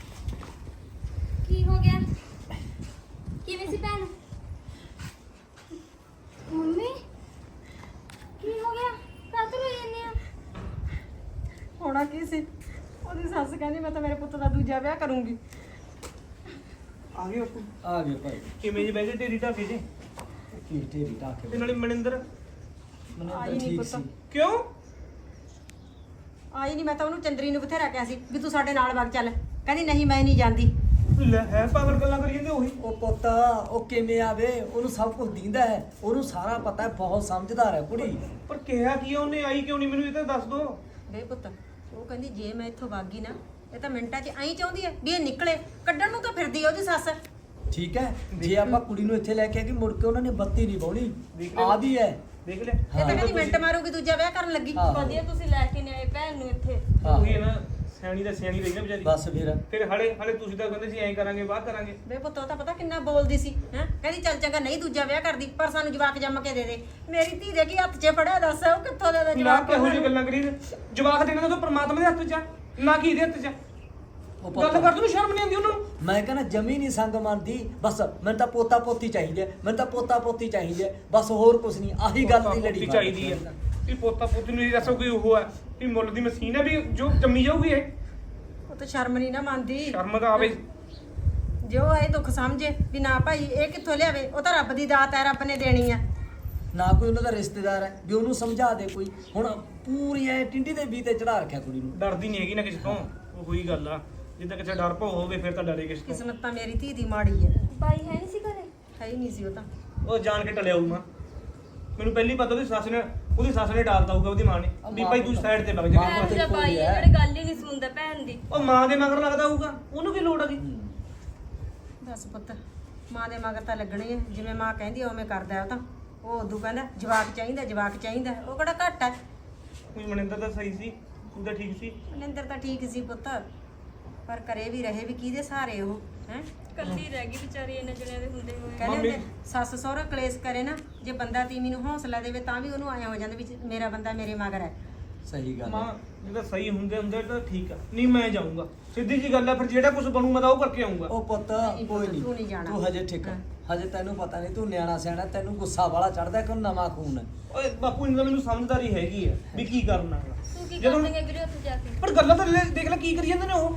E: ਕੀ ਹੋ ਗਿਆ? ਕਿਵੇਂ ਸੀ ਭੈਣ? ਮੰਮੀ ਕੀ ਹੋ ਗਿਆ? ਕਾਹਤੋਂ ਰੋਈ ਜਾਂਦੀ ਆ?
B: ਹੋਣਾ ਕੀ ਸੀ, ਉਹਦੀ ਸੱਸ ਕਹਿੰਦੀ ਮੈਂ ਤਾਂ ਮੇਰੇ ਪੁੱਤ ਦਾ ਦੂਜਾ ਵਿਆਹ ਕਰੂੰਗੀ।
F: ਆ ਗਏ ਬਾਪੂ।
C: ਆ ਗਏ ਭਾਈ।
F: ਕਿਵੇਂ ਜੀ ਬਹਿ ਗਏ ਢੇਰੀ ਢਾਕੇ ਜੀ?
C: ਕੀ ਢੇਰੀ ਢਾਕੇ
F: ਤੇ ਨਾਲੇ ਮਨਿੰਦਰ
C: ਮੈਨੂੰ
B: ਆਈ
C: ਤਾਂ
B: ਨਹੀਂ
C: ਠੀਕ
B: ਪੁੱਤ।
C: ਸੀ।
F: ਕਿਉਂ?
B: ਆਈ ਨਹੀਂ, ਮੈਂ ਤਾਂ ਉਹਨੂੰ ਚੰਦਰੀ ਨੂੰ ਬਥੇਰਾ ਕਿਹਾ ਸੀ ਵੀ ਤੂੰ ਸਾਡੇ ਨਾਲ ਵਗ ਚੱਲ, ਕਹਿੰਦੀ ਨਹੀਂ ਮੈਂ ਨਹੀਂ ਜਾਂਦੀ।
F: ਲੈ ਹੈ ਪਾਗਲ ਗੱਲਾਂ ਕਰੀ ਜਾਂਦੇ ਉਹੀ।
C: ਉਹ ਪੁੱਤ ਉਹ ਕਿਵੇਂ ਆਵੇ, ਉਹਨੂੰ ਸਭ ਕੁਝ ਦਿੰਦਾ ਹੈ, ਉਹਨੂੰ ਸਾਰਾ ਪਤਾ ਹੈ, ਬਹੁਤ ਸਮਝਦਾਰ ਹੈ ਕੁੜੀ।
F: ਪਰ ਕਿਹਾ ਕੀ ਆ ਉਹਨੇ, ਆਈ ਕਿਉਂ ਨਹੀਂ ਮੈਨੂੰ ਇਹ ਤਾਂ ਦੱਸ ਦੋ।
B: ਵੇ ਪੁੱਤ, ਉਹ ਕਹਿੰਦੀ ਜੇ ਮੈਂ ਇੱਥੋਂ ਵਗ ਗਈ ਨਾ, ਇਹ ਤਾਂ ਮਿੰਟਾਂ 'ਚ ਐਂ ਚਾਹੁੰਦੀ ਹੈ ਵੀ ਇਹ ਨਿਕਲੇ, ਕੱਢਣ ਨੂੰ ਤਾਂ ਫਿਰਦੀ ਆ ਉਹਦੀ ਸੱਸ।
C: ਠੀਕ ਹੈ, ਜੇ ਆਪਾਂ ਕੁੜੀ ਨੂੰ ਇੱਥੇ ਲੈ ਕੇ ਆ ਕਿ ਮੁੜ ਕੇ ਉਹਨਾਂ ਨੇ ਬੱਤੀ ਨਹੀਂ ਬਾਉਣੀ,
F: ਦੇਖ ਲਿਆ।
C: ਆ ਵੀ ਹੈ।
F: ਦੇਖ ਲੈ
B: ਇਹ ਤਾਂ ਕਹਿੰਦੀ ਮਿੰਟ ਮਾਰੂਗੀ ਦੂਜਾ ਵਿਆਹ ਕਰਨ ਲੱਗੀ।
C: ਹਾਂ।
B: ਵਧੀਆ ਤੁਸੀਂ ਲੈ ਕੇ ਨਿਆਏ ਭੈਣ ਨੂੰ ਇੱਥੇ।
C: ਹਾਂ।
F: ਉਹੀ ਹੈ ਨਾ, ਸਿਆਣੀ ਦਾ ਸਿਆਣੀ ਰਹੀ ਨਾ ਵਿਚਾਰੀ।
C: ਬਸ ਫਿਰ
F: ਫਿਰ ਹਲੇ ਹਲੇ ਤੁਸੀਂ ਤਾਂ ਕਹਿੰਦੇ ਸੀ ਐਂ ਕਰਾਂਗੇ ਵਾਹ ਕਰਾਂਗੇ।
B: ਵੇ ਪੁੱਤ ਉਹ ਤਾਂ ਪਤਾ ਕਿੰਨਾ ਬੋਲਦੀ ਸੀ ਹੈ, ਕਹਿੰਦੀ ਚੱਲ ਚੰਗਾ ਨਹੀਂ ਦੂਜਾ ਵਿਆਹ ਕਰਦੀ, ਪਰ ਸਾਨੂੰ ਜਵਾਕ ਜੰਮ ਕੇ ਦੇ ਦੇ। ਮੇਰੀ ਧੀ ਦੇ ਕੀ ਹੱਥ 'ਚ ਫੜਿਆ, ਦੱਸ ਉਹ ਕਿੱਥੋਂ ਦੇ ਦੇ
F: ਨਾ
B: ਜਵਾਕ?
F: ਕਿਹੋ ਜਿਹੀ ਗੱਲਾਂ ਕਰੀ ਜਾਂਦੇ? ਜਵਾਕ ਦੇਣਾ ਤਾਂ ਪ੍ਰਮਾਤਮਾ ਦੇ ਹੱਥ 'ਚ ਆ, ਨਾ ਕੀ ਇਹਦੇ ਹੱਥ 'ਚ ਆ।
C: ਉਹ
F: ਗੱਲ
C: ਪੁੱਤ
F: ਕਰਦੇ ਨੂੰ ਸ਼ਰਮ ਨਹੀਂ ਆਉਂਦੀ ਉਹਨਾਂ ਨੂੰ?
C: ਮੈਂ ਕਹਿੰਦਾ ਜਮੀ ਨਹੀਂ ਸੰਗ ਮੰਨਦੀ, ਬਸ ਮੈਨੂੰ ਤਾਂ ਪੋਤਾ ਪੋਤੀ ਚਾਹੀਦਾ, ਮੈਨੂੰ ਤਾਂ ਪੋਤਾ ਪੋਤੀ ਚਾਹੀਦਾ, ਬਸ ਹੋਰ ਕੁਝ ਨਹੀਂ, ਆਹੀ ਗੱਲ ਦੀ ਲੜੀ
F: ਪੋਤੀ ਚਾਹੀਦੀ ਹੈ। ਵੀ ਪੋਤਾ ਪੋਤੀ ਨੂੰ ਇਹ ਦੱਸੋ ਕੋਈ ਉਹ ਹੈ ਵੀ ਮੁੱਲ ਦੀ ਮਸ਼ੀਨ ਹੈ ਵੀ ਜੋ ਜੰਮੀ ਜਾਊਗੀ ਇਹ?
B: ਉਹ ਤਾਂ ਸ਼ਰਮ ਨਹੀਂ ਨਾ ਮੰਨਦੀ
F: ਸ਼ਰਮ ਤਾਂ ਆਵੇ।
B: ਜੋ ਇਹ ਦੁੱਖ ਸਮਝੇ ਵੀ ਨਾ ਭਾਈ ਇਹ ਕਿੱਥੋਂ ਲਿਆਵੇ, ਉਹ ਤਾਂ ਰੱਬ ਦੀ ਦਾਤ ਹੈ, ਰੱਬ ਨੇ ਦੇਣੀ ਆ।
C: ਨਾ ਕੋਈ ਉਹਨਾਂ ਦਾ ਰਿਸ਼ਤੇਦਾਰ ਹੈ ਵੀ ਉਹਨੂੰ ਸਮਝਾ ਦੇ ਕੋਈ। ਹੁਣ ਪੂਰੀ ਐ ਟਿੰਡੀ ਦੇ ਵੀ ਤੇ ਚੜਾ ਰੱਖਿਆ ਕੁੜੀ ਨੂੰ।
F: ਡਰਦੀ ਨਹੀਂ ਹੈਗੀ ਨਾ ਕਿਸੇ ਤੋਂ, ਉਹ ਹੋਈ ਗੱਲ ਆ। ਜਿੱਦਾਂ ਕਿਸੇ ਡਰ ਭੋ ਹੋਵੇ ਫਿਰ ਤਾਂ ਡਰੇ ਕਿਸੇ ਤੋਂ।
B: ਕਿਸਮਤ ਤਾਂ ਮੇਰੀ ਧੀ ਦੀ ਮਾੜੀ ਹੈ।
E: ਬਾਈ ਹੈ ਨਹੀਂ ਸੀ ਘਰੇ?
B: ਹੈ ਹੀ ਨਹੀਂ ਸੀ ਉਹ ਤਾਂ।
F: ਉਹ ਜਾਣ ਕੇ ਟਲਿਆ ਹੋਊ ਮਾਂ। ਮੈਨੂੰ ਪਹਿਲੀ ਪਤਾ ਉਹਦੀ ਸੱਸ ਨੇ ਉਹਦੀ ਸੱਸ ਨੇ ਡਾਲਤਾ ਹੋਊਗਾ ਉਹਦੀ ਮਾਂ ਨੇ ਵੀ ਭਾਈ ਤੂੰ ਸਾਈਡ ਤੇ ਵਗ ਜਾ।
E: ਭੈਣ ਦਾ ਬਾਈ ਹੈ ਜਿਹੜੇ ਗੱਲ ਹੀ ਨਹੀਂ ਸੁਣਦਾ ਭੈਣ ਦੀ।
F: ਉਹ ਮਾਂ ਦੇ ਮਗਰ ਲੱਗਦਾ ਹੋਊਗਾ, ਉਹਨੂੰ ਕੀ ਲੋੜ ਹੈਗੀ?
B: ਦੱਸ ਪੁੱਤ, ਮਾਂ ਦੇ ਮਗਰ ਤਾਂ ਲੱਗਣੀ ਹੈ, ਜਿਵੇਂ ਮਾਂ ਕਹਿੰਦੀ ਆ ਉਵੇਂ ਕਰਦਾ ਉਹ ਤਾਂ। ਉਹ ਉਦੋਂ ਕਹਿੰਦਾ ਜਵਾਕ ਚਾਹੀਦਾ ਜਵਾਕ ਚਾਹੀਦਾ, ਉਹ ਕਿਹੜਾ ਘੱਟ ਹੈ।
F: ਕੋਈ ਮਨਿੰਦਰ ਤਾਂ ਸਹੀ ਸੀ, ਤੂੰ ਤਾਂ ਠੀਕ ਸੀ।
B: ਮਨਿੰਦਰ ਤਾਂ ਠੀਕ ਸੀ ਪੁੱਤ, ਪਰ ਕਰੇ ਵੀ ਰਹੇ ਵੀ ਕਿਹਦੇ ਸਹਾਰੇ ਉਹ ਹੈ।
E: ਕੱਲੀ ਰਹਿ ਗਈ ਵਿਚਾਰੀ ਇਹਨਾਂ ਜਣਿਆਂ ਦੇ ਹੁੰਦੇ ਹੋਏ।
B: ਕਹਿੰਦੇ ਹੁੰਦੇ ਸੱਸ ਸਹੁਰਾ ਕਲੇਸ਼ ਕਰੇ ਨਾ, ਜੇ ਬੰਦਾ ਤੀਵੀਂ ਨੂੰ ਹੌਸਲਾ ਦੇਵੇ ਤਾਂ ਵੀ ਉਹਨੂੰ ਆਇਆ ਹੋ ਜਾਂਦਾ ਵੀ ਮੇਰਾ ਬੰਦਾ ਮੇਰੇ ਮਗਰ ਹੈ।
C: ਸਹੀ ਗੱਲ
F: ਮਾਂ
C: ਹੈ।
F: ਜੇ ਤਾਂ ਸਹੀ ਹੁੰਦੇ ਹੁੰਦੇ ਤਾਂ ਠੀਕ ਆ, ਨਹੀਂ ਮੈਂ ਜਾਊਂਗਾ। ਸਿੱਧੀ ਜੀ ਗੱਲ ਆ, ਫਿਰ ਜਿਹੜਾ ਕੁਝ ਬਣੂ ਮੈਂ ਤਾਂ ਉਹ ਕਰਕੇ ਆਊਂਗਾ।
C: ਉਹ ਪੁੱਤ
B: ਨਹੀਂ
C: ਕੋਈ
B: ਪੁੱਤ, ਤੂੰ ਨਹੀਂ
C: ਨਹੀਂ,
B: ਜਾਣਾ।
C: ਤੂੰ ਹਜੇ ਠੀਕ ਹੈ। ਹਜੇ ਤੈਨੂੰ ਪਤਾ ਨਹੀਂ, ਤੂੰ ਨਿਆਣਾ ਸਿਆਣਾ, ਤੈਨੂੰ ਗੁੱਸਾ ਵਾਲਾ ਚੜਦਾ ਕਿ ਨਵਾਂ ਖੂਨ ਹੈ।
F: ਓਏ ਬਾਪੂ ਇਹਨਾਂ ਦਾ ਮੈਨੂੰ ਸਮਝਦਾਰੀ ਹੈਗੀ ਆ ਵੀ ਕੀ ਕਰਨਾ ਹੈਗਾ।
E: ਤੂੰ ਕੀ
F: ਜਦੋਂ-
E: ਕਰੇਂਗੇ ਵੀਰੇ ਉੱਥੇ ਜਾ ਕੇ?
F: ਪਰ ਗੱਲਾਂ ਤਾਂ ਲੈ- ਦੇਖ ਲੈ ਕੀ ਕਰੀ ਜਾਂਦੇ ਨੇ ਉਹ।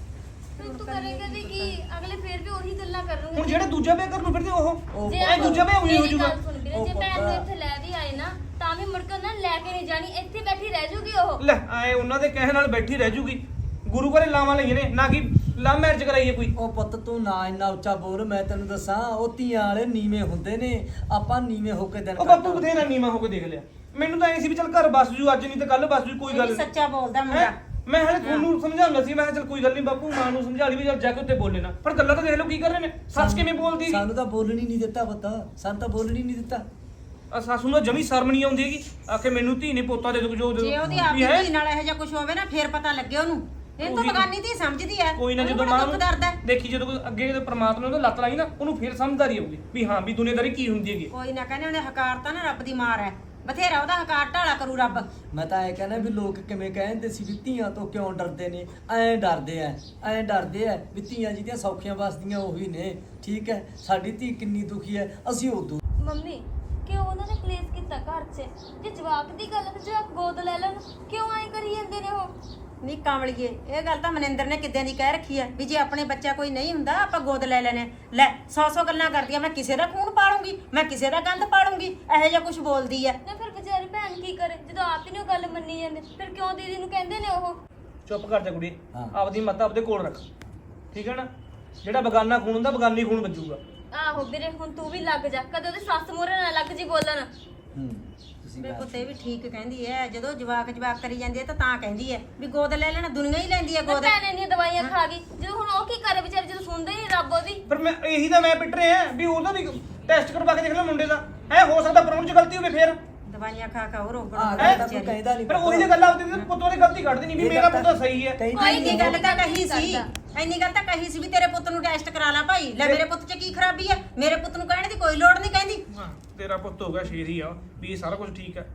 E: ਤੂੰ ਤੂੰ ਕਰੇਂਗਾ ਵੀ ਕੀ? ਅਗਲੇ ਫੇਰ ਵੀ ਉਹੀ ਗੱਲਾਂ ਕਰਨਗੇ।
F: ਹੁਣ ਜਿਹੜੇ ਦੂਜਾ ਵਿਆਹ ਕਰਨ ਨੂੰ ਫਿਰਦੇ ਉਹ
C: ਉਹ
E: ਜੇ
F: ਇਹ ਦੂਜਾ ਵਿਆਹ ਉਹੀ ਹੋ
E: ਮੇਰੀ
F: ਜਾਊਗਾ।
E: ਗੱਲ ਸੁਣ ਵੀਰੇ,
C: ਉਹ
E: ਜੇ ਭੈਣ ਨੂੰ
C: ਪਤਾ-
E: ਇੱਥੇ ਲੈ ਵੀ ਆਏ ਨਾ ਤਾਂ ਵੀ ਮੁੜ ਕੇ ਉਹਨਾਂ ਨੇ ਲੈ ਕੇ ਨਹੀਂ ਜਾਣੀ, ਇੱਥੇ ਬੈਠੀ ਰਹਿ ਜੂਗੀ ਉਹ।
F: ਲੈ ਆਏ ਉਹਨਾਂ ਦੇ ਕਹਿਣ ਨਾਲ ਬੈਠੀ ਰਹਿ ਜੂਗੀ। ਗੁਰੂ ਘਰੇ ਲਾਵਾਂ ਲਈਆਂ ਨੇ, ਨਾ ਕਿ ਲਵ ਮੈਰਿਜ ਕਰਾਈਏ ਕੋਈ।
C: ਉਹ ਪੁੱਤ ਤੂੰ ਨਾ ਇੰਨਾ ਉੱਚਾ ਬੋਲ, ਮੈਂ ਤੈਨੂੰ ਦੱਸਾਂ ਉਹ ਧੀਆਂ ਵਾਲੇ ਨੀਵੇਂ ਹੁੰਦੇ ਨੇ, ਆਪਾਂ ਨੀਵੇਂ ਹੋ ਕੇ ਦਿਨ
F: ਉਹ ਬਾਪੂ ਬਥੇਰਾ ਨੀਵਾਂ ਹੋ ਕੇ ਦੇਖ ਲਿਆ। ਮੈਨੂੰ ਤਾਂ ਐ ਸੀ ਵੀ ਚੱਲ ਘਰ ਬਸ ਜੂ, ਅੱਜ ਨਹੀਂ ਤੇ ਕੱਲ ਬਸ ਜੂ, ਕੋਈ
B: ਇਹ
F: ਗੱਲ
B: ਵੀ
F: ਨਹੀਂ।
B: ਸੱਚਾ ਬੋਲਦਾ ਮੁੰਡਾ।
F: ਹੈਂ? ਮੈਂ ਹਲੇ ਤੁਹਾਨੂੰ ਸਮਝਾਉਣਾ ਸੀ, ਮੈਂ ਕਿਹਾ ਚੱਲ ਕੋਈ ਗੱਲ ਨਹੀਂ ਬਾਪੂ, ਮਾਂ ਨੂੰ ਸਮਝਾ ਲਈ ਵੀ ਚੱਲ ਜਾ ਕੇ ਉੱਤੇ ਬੋਲੇ ਨਾ। ਪਰ ਗੱਲਾਂ ਤਾਂ ਦੇਖ ਲਓ ਕੀ ਕਰ ਰਹੇ ਨੇ। ਸੱਸ ਕਿਵੇਂ ਬੋਲਦੀ ਸੀ।
C: ਸਾਨੂੰ ਤਾਂ ਬੋਲਣੀ ਨਹੀਂ ਦਿੱਤਾ ਪੁੱਤ, ਸਾਨੂੰ ਤਾਂ ਬੋਲਣੀ ਨਹੀਂ ਦਿੱਤਾ।
F: ਆ ਸੱਸ ਨੂੰ ਤਾਂ ਜਮੀ ਸ਼ਰਮ ਨਹੀਂ ਆਉਂਦੀ ਹੈਗੀ। ਆਖੇ ਮੈਨੂੰ ਧੀ ਨੇ ਪੋਤਾ ਦੇ ਦੋ ਜੋ
B: ਜੇ ਉਹਦੀ ਆਪਣੀ ਧੀ ਨਾਲ ਇਹੋ ਜਿਹਾ ਕੁਝ ਹੋਵੇ ਨਾ ਫੇਰ ਪਤਾ ਲੱਗੇ ਉਹਨੂੰ। ਇਹ ਤਾਂ
F: ਉਹੀ-
B: ਬਗਾਨੀ ਧੀ ਸਮਝਦੀ ਹੈ।
F: ਕੋਈ ਨਾ,
B: ਉਹਨੂੰ
F: ਜਦੋਂ
B: ਬੜਾ
F: ਮਾਂ
B: ਦੁੱਖ
F: ਨੂੰ
B: ਦਰਦ ਹੈ।
F: ਦੇਖੀ, ਜਦੋਂ ਕੋਈ ਅੱਗੇ ਜਦੋਂ ਪ੍ਰਮਾਤਮਾ ਨੇ ਉਹਦਾ ਲੱਤ ਲਾਈ ਨਾ, ਉਹਨੂੰ ਫੇਰ ਸਮਝਦਾਰੀ ਆਊਗੀ ਵੀ ਹਾਂ ਵੀ ਦੁਨੀਆਦਾਰੀ ਕੀ ਹੁੰਦੀ ਹੈਗੀ।
B: ਕੋਈ ਨਾ ਕਹਿੰਦੇ ਉਹਨੇ ਹਕਾਰ ਤਾਂ ਨਾ ਰੱਬ ਦੀ ਮਾਰ ਹੈ, ਬਥੇਰਾ ਉਹਦਾ ਹਕਾਰ ਢਾਲਾ ਕਰੂ ਰੱਬ।
C: ਮੈਂ ਤਾਂ ਐ ਕਹਿੰਦਾ ਵੀ ਲੋਕ ਕਿਵੇਂ ਕਹਿੰਦੇ ਸੀ ਵੀ ਧੀਆਂ ਤੋਂ ਕਿਉਂ ਡਰਦੇ ਨੇ, ਐਂ ਡਰਦੇ ਐ ਐਂ ਡਰਦੇ ਐ ਵੀ ਧੀਆਂ ਜਿਹਦੀਆਂ ਸੌਖੀਆਂ ਵਸਦੀਆਂ ਉਹੀ ਨੇ। ਠੀਕ ਹੈ, ਸਾਡੀ ਧੀ ਕਿੰਨੀ ਦੁਖੀ ਐ, ਅਸੀਂ ਉਦੋਂ
E: ਮੰਮੀ ਕਿਉਂ ਉਹਨਾਂ ਨੇ ਕਲੇਸ਼ ਕੀਤਾ ਘਰ 'ਚ? ਜੇ ਜਵਾਕ ਦੀ ਗੱਲ ਹੈ ਤੇ ਜਵਾਕ ਗੋਦ ਲੈ ਲੈਣ, ਕਿਉਂ ਐਂ ਕਰੀ ਜਾਂਦੇ ਨੇ ਉਹ?
B: ਨਹੀਂ ਕਾਂਵਲੀਏ, ਇਹ ਗੱਲ ਤਾਂ ਮਨਿੰਦਰ ਨੇ ਕਿੱਦਾਂ ਦੀ ਕਹਿ ਰੱਖੀ ਹੈ ਵੀ ਜੇ ਆਪਣੇ ਬੱਚਾ ਕੋਈ ਨਹੀਂ ਹੁੰਦਾ ਆਪਾਂ ਗੋਦ ਲੈ ਲੈਣੇ। ਲੈ ਸੌ ਸੌ ਗੱਲਾਂ ਕਰਦੀ ਆ, ਮੈਂ ਕਿਸੇ ਦਾ ਖੂਨ ਪਾਲੂੰਗੀ, ਮੈਂ ਕਿਸੇ ਦਾ ਗੰਦ ਪਾਲੂੰਗੀ, ਇਹੋ ਜਿਹਾ ਕੁਝ ਬੋਲਦੀ ਹੈ।
E: ਨਾ ਫਿਰ ਵਿਚਾਰੀ ਭੈਣ ਕੀ ਕਰੇ ਜਦੋਂ ਆਪ ਹੀ ਨਹੀਂ ਉਹ ਗੱਲ ਮੰਨੀ ਜਾਂਦੇ? ਫਿਰ ਕਿਉਂ ਦੀਦੀ ਨੂੰ ਕਹਿੰਦੇ ਨੇ ਉਹ?
F: ਚੁੱਪ ਕਰ ਜਾ ਕੁੜੀ,
C: ਹਾਂ।
F: ਆਪਦੀ ਮੱਤ ਆਪਦੇ ਕੋਲ ਰੱਖ, ਠੀਕ ਹੈ ਨਾ। ਜਿਹੜਾ ਬਗਾਨਾ ਖੂਨ ਹੁੰਦਾ ਬਗਾਨੀ ਖੂਨ ਵੱਜੂਗਾ।
E: ਆਹੋ ਵੀਰੇ, ਹੁਣ ਤੂੰ ਵੀ ਲੱਗ ਜਾ, ਕਦੇ ਉਹਦੇ ਸੱਸ ਮੂਹਰੇ ਨਾ ਲੱਗ ਜੀ ਬੋਲਣ।
C: ਹੂੰ ਤੁਸੀਂ
B: ਮੇਰੇ
C: ਗੱਲ-
B: ਪੁੱਤ ਇਹ ਵੀ ਠੀਕ ਕਹਿੰਦੀ ਹੈ, ਜਦੋਂ ਜਵਾਕ ਜਵਾਕ ਕਰੀ ਜਾਂਦੀ ਹੈ ਤਾਂ ਤਾਂ ਕਹਿੰਦੀ ਹੈ ਵੀ ਗੋਦ ਲੈ ਲੈਣਾ, ਦੁਨੀਆ ਹੀ ਲੈਂਦੀ ਹੈ
E: ਤੇ
B: ਗੋਦ।
E: ਭੈਣ ਇੰਨੀਆਂ ਦਵਾਈਆਂ ਖਾ ਗਈ, ਜਦੋਂ ਹੁਣ ਉਹ ਕੀ ਕਰੇ ਵਿਚਾਰੀ, ਜਦੋਂ ਸੁਣਦੇ ਹੀ ਨਹੀਂ ਰੱਬ ਉਹਦੀ।
F: ਪਰ ਮੈਂ ਇਹੀ ਤਾਂ ਮੈਂ ਪਿੱਟ ਰਿਹਾ ਵੀ ਉਹਦਾ ਵੀ ਟੈਸਟ ਕਰਵਾ ਕੇ ਦੇਖ ਲੈ ਮੁੰਡੇ ਦਾ। ਹੈ ਹੋ ਸਕਦਾ ਪ੍ਰਾਹੁਣ ਚ ਗਲਤੀ ਹੋਵੇ ਫੇਰ।
B: ਦਵਾਈਆਂ ਖਾ ਖਾ ਉਹ ਰੋਗ
C: ਆਹ
B: ਰੋਗ
C: ਗੱਲ ਤਾਂ ਕੋਈ ਕਹਿੰਦਾ ਨਹੀਂ
F: ਪਰ ਉਹੀ ਜਿਹੀ ਗੱਲ ਆਉਂਦੀ ਤੇ ਪੁੱਤੋਂ ਦੀ ਗਲਤੀ ਕੱਢਦੀ ਨਹੀਂ ਵੀ ਮੇਰਾ ਪੁੱਤ ਸਹੀ ਹੈ।
C: ਕਹਿੰਦਾ
B: ਕੋਈ
C: ਹੀ
B: ਨਹੀਂ,
C: ਨਹੀਂ।
B: ਗੱਲ ਤਾਂ ਕਹੀ ਸੀ, ਇੰਨੀ ਗੱਲ ਤਾਂ ਕਹੀ ਸੀ ਵੀ ਤੇਰੇ ਪੁੱਤ ਨੂੰ ਟੈਸਟ ਕਰਾ ਲਾ ਭਾਈ। ਲੈ ਮੇਰੇ ਪੁੱਤ 'ਚ ਕੀ ਖਰਾਬੀ ਹੈ? ਮੇਰੇ ਪੁੱਤ ਨੂੰ ਕਹਿਣ ਦੀ ਕੋਈ ਲੋੜ ਨਹੀਂ ਕਹਿੰਦੀ।
F: ਹਾਂ ਤੇਰਾ ਪੁੱਤ ਹੋ ਗਿਆ ਸ਼ੇਰ ਹੀ ਆ ਵੀ ਇਹ ਸਾਰਾ ਕੁਝ ਠੀਕ ਹੈ।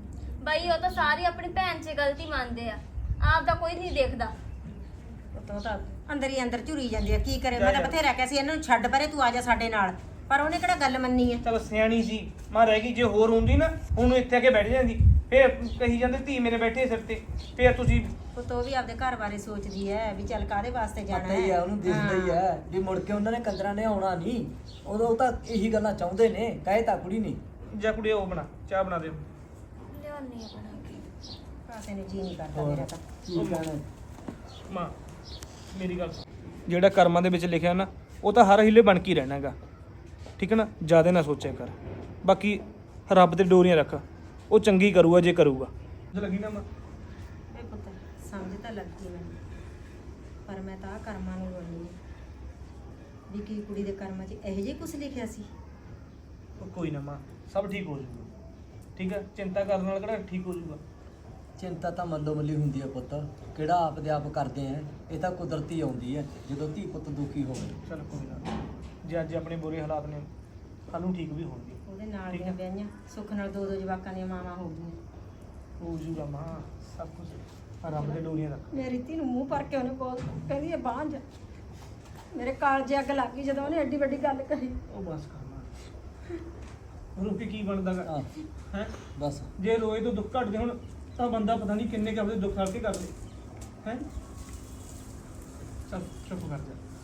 E: ਬਾਈ ਉਹ ਤਾਂ ਸਾਰੇ ਆਪਣੀ ਭੈਣ 'ਚ ਗਲਤੀ ਮੰਨਦੇ ਆ, ਆਪ ਦਾ ਕੋਈ ਨਹੀਂ ਦੇਖਦਾ।
B: ਪੁੱਤ ਤਾਂ ਅੰਦਰ ਹੀ ਅੰਦਰ ਝੁਰੀ ਜਾਂਦੀ ਹੈ, ਕੀ ਕਰੇ। ਮੈਂ ਤਾਂ ਬਥੇਰਾ ਕਿਹਾ ਸੀ ਇਹਨਾਂ ਨੂੰ ਛੱਡ ਪਰੇ, ਤੂੰ ਆ ਜਾ ਸਾਡੇ ਨਾਲ, ਪਰ ਉਹਨੇ ਕਿਹੜਾ ਗੱਲ ਮੰਨੀ ਹੈ।
F: ਚਲ ਸਿਆਣੀ ਸੀ ਮਾਂ, ਰਹਿ ਗਈ। ਜੇ ਹੋਰ ਹੁੰਦੀ ਨਾ ਹੁਣ ਇੱਥੇ ਆ ਕੇ ਬੈਠ ਜਾਂਦੀ, ਫੇਰ ਕਹੀ ਜਾਂਦੇ ਧੀ ਮੇਰੇ ਬੈਠੇ ਸਿਰ ਤੇ, ਫੇਰ ਤੁਸੀਂ
B: ਪੁੱਤ ਉਹ ਵੀ ਆਪਦੇ ਘਰ ਬਾਰੇ ਸੋਚਦੀ ਹੈ ਵੀ ਚੱਲ ਕਾਹਦੇ ਵਾਸਤੇ ਜਾਣਾ
C: ਪਤਾ ਹੀ ਆ, ਉਹਨੂੰ ਦਿਖਦਾ ਹੀ ਹੈ ਵੀ ਮੁੜ ਕੇ ਉਹਨਾਂ ਨੇ ਕੰਜਰਾਂ ਨੇ ਆਉਣਾ ਨਹੀਂ। ਉਦੋਂ ਉਹ ਤਾਂ ਇਹੀ ਗੱਲਾਂ ਚਾਹੁੰਦੇ ਨੇ, ਕਹੇ ਤਾਂ ਕੁੜੀ ਨਹੀਂ।
F: ਜਾਂ ਕੁੜੀ ਉਹ ਬਣਾ ਚਾਹ ਬਣਾ ਦੇ।
E: ਲਿਆਉਣੀ ਆ ਬਣਾ ਕੇ।
B: ਕਾਸੇ ਨੇ ਜੀ ਨਹੀਂ ਕਰਦਾ ਮੇਰਾ ਤਾਂ।
C: ਕੀ ਕਹਿਣਾ
F: ਮਾਂ ਮੇਰੀ ਗੱਲ ਸੁਣ। ਜਿਹੜਾ ਕਰਮਾਂ ਦੇ ਵਿੱਚ ਲਿਖਿਆ ਨਾ ਉਹ ਤਾਂ ਹਰ ਹੀਲੇ ਬਣ ਕੇ ਹੀ ਰਹਿਣਾਗਾ, ਠੀਕ ਹੈ ਨਾ। ਜ਼ਿਆਦਾ ਨਾ ਸੋਚਿਆ ਕਰ, ਬਾਕੀ ਰੱਬ ਤੇ ਡੋਰੀਆਂ ਰੱਖ, ਉਹ ਚੰਗੀ ਕਰੂਗਾ ਜੇ ਕਰੂਗਾ। ਜੇ ਲੱਗੀ ਨਾ ਮਾਂ
B: ਇਹ ਪੁੱਤ ਸਮਝ ਤਾਂ ਲੱਗੀ ਮੈਨੂੰ, ਪਰ ਮੈਂ ਤਾਂ ਆਹ ਕਰਮਾਂ ਨੂੰ ਰੋਣੀ ਹੈ ਵੀ ਕੀ ਕੁੜੀ ਦੇ ਕਰਮਾਂ 'ਚ ਇਹੋ ਜਿਹਾ ਕੁਝ ਲਿਖਿਆ ਸੀ।
F: ਉਹ ਕੋਈ ਨਾ ਮਾਂ, ਸਭ ਠੀਕ ਹੋ ਜਾਊਗਾ, ਠੀਕ ਹੈ। ਚਿੰਤਾ ਕਰਨ ਨਾਲ ਕਿਹੜਾ ਠੀਕ ਹੋ ਜਾਊਗਾ।
C: ਚਿੰਤਾ ਤਾਂ ਮੱਲੋ ਮੱਲੀ ਹੁੰਦੀ ਹੈ ਪੁੱਤ, ਕਿਹੜਾ ਆਪ ਦੇ ਆਪ ਕਰਦੇ ਆ। ਇਹ ਤਾਂ ਕੁਦਰਤੀ ਆਉਂਦੀ ਹੈ ਜਦੋਂ ਧੀ ਪੁੱਤ ਦੁਖੀ ਹੋਵੇ।
F: ਚਲ ਕੋਈ ਨਾ, ਜੇ ਅੱਜ ਆਪਣੇ ਬੁਰੇ ਹਾਲਾਤ ਨੇ ਕੱਲ ਨੂੰ ਠੀਕ ਵੀ ਹੋਣਗੇ।
B: ਉਹਦੇ ਨਾਲ
F: ਠੀਕ
B: ਦੀਆਂ
F: ਹੈ।
B: ਵਿਆਹੀਆਂ ਸੁੱਖ ਨਾਲ ਦੋ ਦੋ ਜਵਾਕਾਂ ਦੀਆਂ ਮਾਵਾਂ ਹੋ ਗਈਆਂ।
F: ਹੋ ਜਾਊਗਾ ਮਾਂ, ਸਭ ਕੁਝ ਰੱਬ ਦੇ ਡੋਰੀਆਂ ਰੱਖ।
B: ਮੇਰੀ ਧੀ ਨੂੰ ਮੂੰਹ ਭਰ ਕੇ ਉਹਨੇ ਬੋਲ ਕਹਿੰਦੀ ਇਹ ਬਾਂਝ। ਮੇਰੇ ਕਾਲਜੇ ਅੱਗ ਲੱਗ ਗਈ ਜਦੋਂ ਉਹਨੇ ਐਡੀ ਵੱਡੀ ਗੱਲ ਕਹੀ।
F: ਉਹ ਬਸ ਕਰ ਮਾਂ, ਰੋ ਕੇ ਕੀ ਬਣਦਾਗਾ
C: ਹਾਂ
F: ਹੈ?
C: ਬਸ
F: ਜੇ ਰੋਏ ਤੋਂ ਦੁੱਖ ਘਟਦੇ ਹੁਣ ਤਾਂ ਬੰਦਾ ਪਤਾ ਨਹੀਂ ਕਿੰਨੇ ਕੁ ਆਪਣੇ ਦੁੱਖ ਹਲਕੇ ਕਰ ਲੇ ਹੈ। ਚੱਲ ਚੁੱਪ ਕਰ ਜਾ।